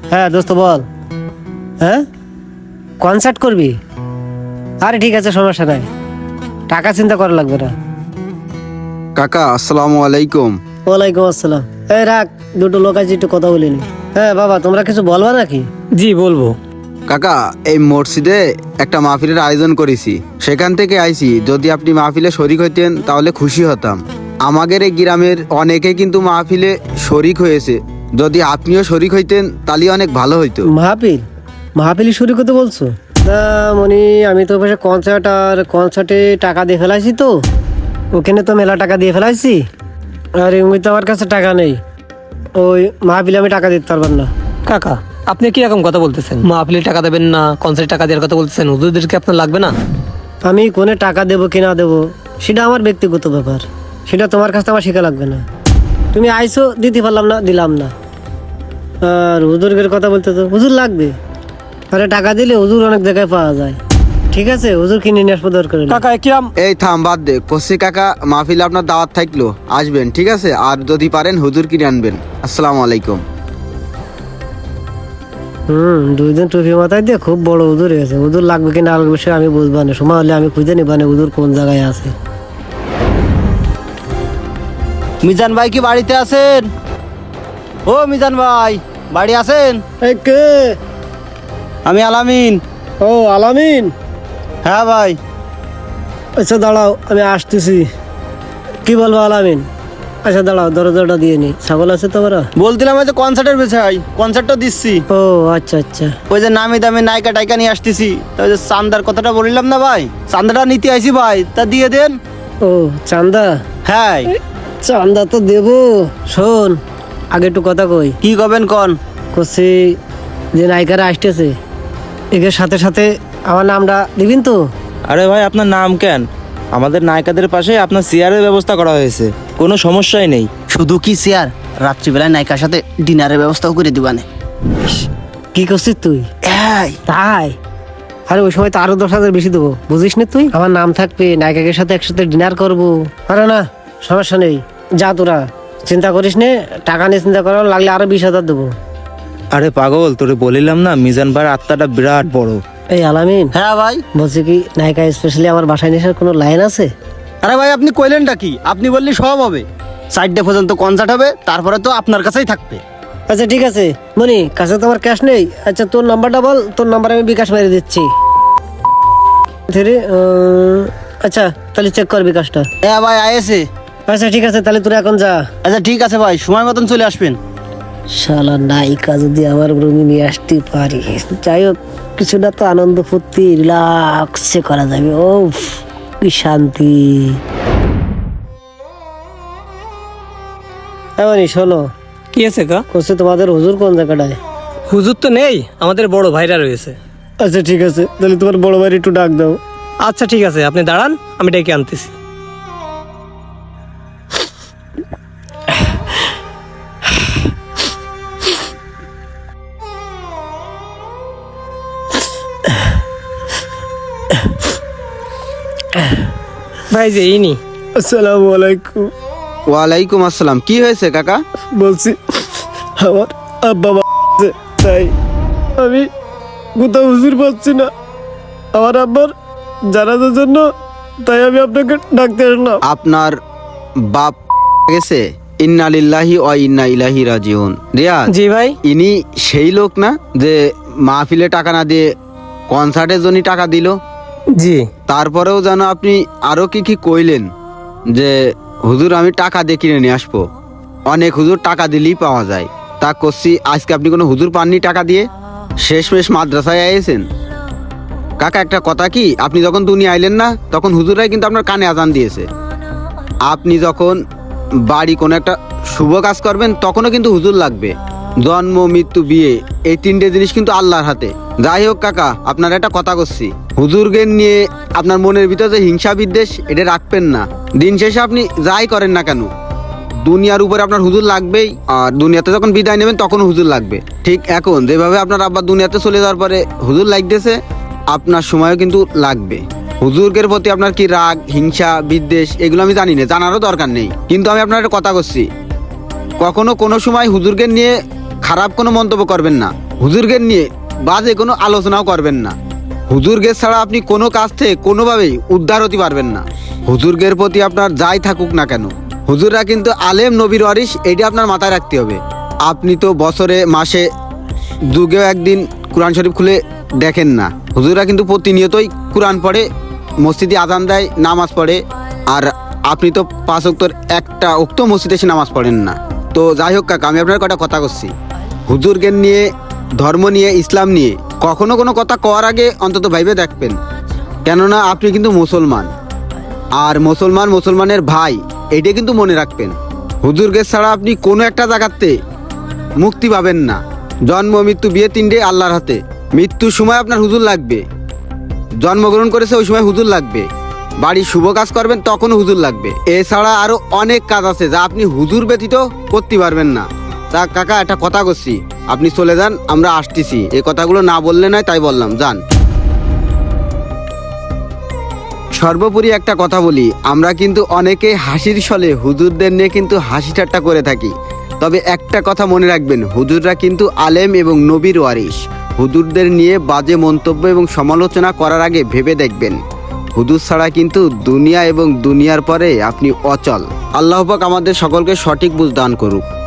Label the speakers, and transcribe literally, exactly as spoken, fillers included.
Speaker 1: হ্যাঁ দোস্ত বল। হ্যাঁ কনসার্ট করবি? আরে ঠিক আছে, সমস্যা নাই, টাকা চিন্তা করা লাগবে না।
Speaker 2: কাকা আসসালামু আলাইকুম।
Speaker 1: ওয়ালাইকুম আসসালাম। এই রাখ, দুটো লোক আছে, একটু কথা বলিনি। হ্যাঁ বাবা, তোমরা কিছু বলবা নাকি?
Speaker 3: জি বলবো।
Speaker 2: কাকা এই মসজিদে একটা মাহফিলের আয়োজন করেছি, সেখান থেকে আইছি। যদি আপনি মাহফিলে শরিক হইতেন তাহলে খুশি হতাম। আমাদের এই গ্রামের অনেকে কিন্তু মাহফিলে শরিক হয়েছে, যদি আপনিও শরিক হইতেন তাহলে অনেক ভালো হইতো।
Speaker 1: মাহফিল? মাহফিলি শুরু করতে বলছো? না মনি, আমি তো পাশে কনসার্ট আর কনসার্টে টাকা দিয়ে ফেলাইছি, তো ওখানে তো মেলা টাকা দিয়ে ফেলাইছি। আর এমনি তো আমার কাছে টাকা নেই, ওই মাহফিলে আমি টাকা দিতে পারবেন না।
Speaker 3: কাকা আপনি কি রকম কথা বলতেছেন? মাহফিলে টাকা দেবেন না, কনসার্টে টাকা দেওয়ার কথা বলতেছেন, হুজুরদেরকে আপনার লাগবে না?
Speaker 1: আমি কোনে টাকা দেবো কি না দেবো সেটা আমার ব্যক্তিগত ব্যাপার, সেটা তোমার কাছে আমার শেখা লাগবে না। তুমি আইসো, দিতে পারলাম না, দিলাম না। আর হুজুরের কথা বলতে তো হুজুর লাগবে, আরে টাকা দিলে হুজুর অনেক জায়গায় পাওয়া যায়। ঠিক আছে, হুজুর কিনে নিয়ে আসবো দরকার হলে।
Speaker 3: কাকা কিরাম?
Speaker 2: এই থাম, বাদ দে। কসি কাকা মাহফিলে আপনার দাওয়াত থাকলো, আসবেন ঠিক আছে? আর যদি পারেন হুজুর কিনে আনবেন। আসসালামু আলাইকুম।
Speaker 1: হুম, দুই দিন টুপি মাথায় দিয়ে খুব বড় হুজুর হয়েছে। হুজুর লাগবে কিনা লাগবে সে আমি বুঝবা না, সময় হলে আমি খুঁজে নিবা না হুজুর কোন জায়গায় আছে।
Speaker 4: মিজান ভাই কি বাড়িতে আছেন? ও মিজান ভাই বাড়ি আছেন?
Speaker 1: এই কে?
Speaker 4: আমি আলামিন।
Speaker 1: ও আলামিন।
Speaker 4: হ্যাঁ ভাই।
Speaker 1: আচ্ছা দাঁড়াও, আমি আসতেছি। কি বলবো আলামিন? আচ্ছা দাঁড়াও, দরজাটা দিয়ে নি। ছাগল আছে তোমরা?
Speaker 4: বলছিলাম ওই যে কনসার্টের বিষয়, কনসার্টটা দিচ্ছি।
Speaker 1: ও আচ্ছা আচ্ছা।
Speaker 4: ওই যে নামি দামি নায়িকা টাইকা নিয়ে আসতেছি, তা ওই যে চান্দার কথাটা বললাম না ভাই, চান্দাটা নিতে আইছি ভাই, তা দিয়ে দেন।
Speaker 1: ও চান্দা?
Speaker 4: হ্যাঁ।
Speaker 1: চান্দা তো দেবো। শোন, আগে একটু কথা কই।
Speaker 4: কি করবেন কন?
Speaker 1: করছি যে নায়িকারা আসতেছে, এদের সাথে সাথে আমার নামটা দিবেন তো?
Speaker 5: আরে ভাই আপনার নাম কেন? আমাদের নায়িকাদের পাশে আপনার চেয়ারের ব্যবস্থা করা হয়েছে, কোনো সমস্যাই নেই।
Speaker 4: শুধু কি চেয়ার, রাত্রিবেলায় নায়িকার সাথে ডিনারের ব্যবস্থাও করে দিবানে।
Speaker 1: কি করছিস তুই?
Speaker 4: এই
Speaker 1: তাই? আরে ওই সময় তো আরো দশ হাজার বেশি দেবো, বুঝিস না তুই? আমার নাম থাকবে, নায়িকাদের সাথে একসাথে ডিনার করবো। আরে না, সমস্যা নেই, যা তোরা চিন্তা করিস নে, টাকা নিয়ে চিন্তা করার লাগলে আরো বিশ হাজার দেবো।
Speaker 5: আরে পাগল, তোরে বলিলাম না মিজান ভাইয়ের আত্মাটা বিরাট বড়।
Speaker 1: এই আলামিন,
Speaker 4: হ্যাঁ ভাই।
Speaker 1: বলছি কি নায়িকা স্পেশালি আমার বাসায় নেশার কোনো লাইন আছে?
Speaker 4: আরে ভাই আপনি কইলেনটা কি? আপনি বললি সব হবে, চারটে পর্যন্ত কনসার্ট হবে, তারপরে তো আপনার কাছেই থাকবে।
Speaker 1: আচ্ছা ঠিক আছে মনি, কাছে তো আমার ক্যাশ নেই। আচ্ছা তোর নাম্বারটা বল, তোর নাম্বার আমি বিকাশ মেরে দিচ্ছি। ধীরে, উম, আচ্ছা তাহলে চেক কর বিকাশটা।
Speaker 4: হ্যাঁ ভাই আয়েছে।
Speaker 1: আচ্ছা ঠিক আছে, তাহলে তোরা এখন যা।
Speaker 4: আচ্ছা ঠিক আছে ভাই, সময় মতন চলে আসবেন।
Speaker 1: শালা নায়িকা যদি আমার রুমে নিয়ে আসতে পারি, যাই হোক কিছুটা তো আনন্দ ফুর্তি রিল্যাক্সে করা যাবে। ও কি শান্তি। এমনই শোনো,
Speaker 3: কি আছে কা?
Speaker 1: কোসে তোমাদের হুজুর কোন জায়গাটায়?
Speaker 3: হুজুর তো নেই, আমাদের বড় ভাইরা রয়েছে।
Speaker 1: আচ্ছা ঠিক আছে, তাহলে তোমার বড় ভাই একটু ডাক দাও।
Speaker 3: আচ্ছা ঠিক আছে, আপনি দাঁড়ান, আমি ডেকে আনতেছি। ভাই যে ইনি।
Speaker 1: আসসালামু আলাইকুম।
Speaker 2: ওয়ালাইকুম আসসালাম। কি হয়েছে কাকা?
Speaker 1: বলছি আমার আব্বা মা আছে, তাই আমি কোথাও হুজুর পাচ্ছি না আমার আব্বার জানাজার জন্য, তাই আমি আপনাকে ডাকতে আসলাম।
Speaker 2: আপনার বাপ গেছে? ইন্না লিল্লাহি ওয়া ইন্না ইলাইহি রাজিউন। রিয়াজ,
Speaker 3: জি ভাই।
Speaker 2: ইনি সেই লোক না যে মাহফিলে টাকা না দিয়ে কনসার্টের জন্য টাকা দিল?
Speaker 3: জি।
Speaker 2: তারপরেও যেন আপনি আরো কি কি কইলেন যে হুজুর আমি টাকা দিয়ে কিনে নিয়ে আসবো। অনেক হুজুর টাকা দিলেই পাওয়া যায়, তা করছি আজকে আপনি কোনো হুজুর পাননি টাকা দিয়ে? শেষমেশ মাদ্রাসায় আইয়েছেন। কাকা একটা কথা কি, আপনি যখন দুনিয়া আইলেন না তখন হুজুরাই কিন্তু আপনার কানে আজান দিয়েছে। আপনি যখন বাড়ি কোনো একটা শুভ কাজ করবেন তখনও কিন্তু হুজুর লাগবে। জন্ম মৃত্যু বিয়ে এই তিনটে জিনিস কিন্তু আল্লাহর হাতে। যাই হোক কাকা, আপনার একটা কথা করছি, হুজুরকে নিয়ে আপনার মনের ভিতরে যে হিংসা বিদ্বেষ এটা রাখবেন না। দিন শেষে আপনি যাই করেন না কেন দুনিয়ার উপরে আপনার হুজুর লাগবেই, আর দুনিয়াতে যখন বিদায় নেবেন তখন হুজুর লাগবে। ঠিক এখন যেভাবে আপনার আব্বা দুনিয়াতে চলে যাওয়ার পরে হুজুর লাগতেছে, আপনার সময়ও কিন্তু লাগবে। হুজুরকের প্রতি আপনার কি রাগ হিংসা বিদ্বেষ এগুলো আমি জানি না, জানারও দরকার নেই, কিন্তু আমি আপনার একটা কথা করছি, কখনো কোনো সময় হুজুরকে নিয়ে খারাপ কোনো মন্তব্য করবেন না। হুজুরগের নিয়ে বাজে কোনো আলোচনাও করবেন না। হুজুরগের ছাড়া আপনি কোনো কাজ থেকে কোনোভাবেই উদ্ধার হতে পারবেন না। হুজুরগের প্রতি আপনার যাই থাকুক না কেন, হুজুররা কিন্তু আলেম নবীর ওয়ারিস, এটা আপনার মাথায় রাখতে হবে। আপনি তো বছরে মাসে যুগেও একদিন কোরআন শরীফ খুলে দেখেন না। হুজুররা কিন্তু প্রতিনিয়তই কোরআন পড়ে, মসজিদে আজান দেয়, নামাজ পড়ে। আর আপনি তো পাঁচ ওয়াক্তের একটা ওক্ত মসজিদে এসে নামাজ পড়েন না। তো যাই হোক কাকা, আমি আপনার কটা কথা করছি। হুজুরগের নিয়ে, ধর্ম নিয়ে, ইসলাম নিয়ে কখনো কোনো কথা কওয়ার আগে অন্তত ভাইবে দেখবেন, কেননা আপনি কিন্তু মুসলমান, আর মুসলমান মুসলমানের ভাই, এইটা কিন্তু মনে রাখবেন। হুজুরগের ছাড়া আপনি কোনো একটা জায়গাতে মুক্তি পাবেন না। জন্ম মৃত্যু বিয়ে তিনটে আল্লাহর হাতে। মৃত্যুর সময় আপনার হুজুর লাগবে, জন্মগ্রহণ করেছে ওই সময় হুজুর লাগবে, বাড়ির শুভ কাজ করবেন তখনও হুজুর লাগবে। এছাড়া আরো অনেক কাজ আছে যা আপনি হুজুর ব্যতীত করতে পারবেন না। তা কাকা, একটা কথা করছি, আপনি চলে যান, আমরা আসতেছি। এই কথাগুলো না বললে নয়, তাই বললাম, যান। সর্বোপরি একটা কথা বলি, আমরা কিন্তু অনেকে হাসির ছলে হুজুরদের নিয়ে কিন্তু হাসি ঠাট্টা করে থাকি। তবে একটা কথা মনে রাখবেন, হুজুররা কিন্তু আলেম এবং নবীর ওয়ারিস। হুজুরদের নিয়ে বাজে মন্তব্য এবং সমালোচনা করার আগে ভেবে দেখবেন। হুজুর ছাড়া কিন্তু দুনিয়া এবং দুনিয়ার পরে আপনি অচল। আল্লাহ পাক আমাদের সকলকে সঠিক বুঝ দান করুক।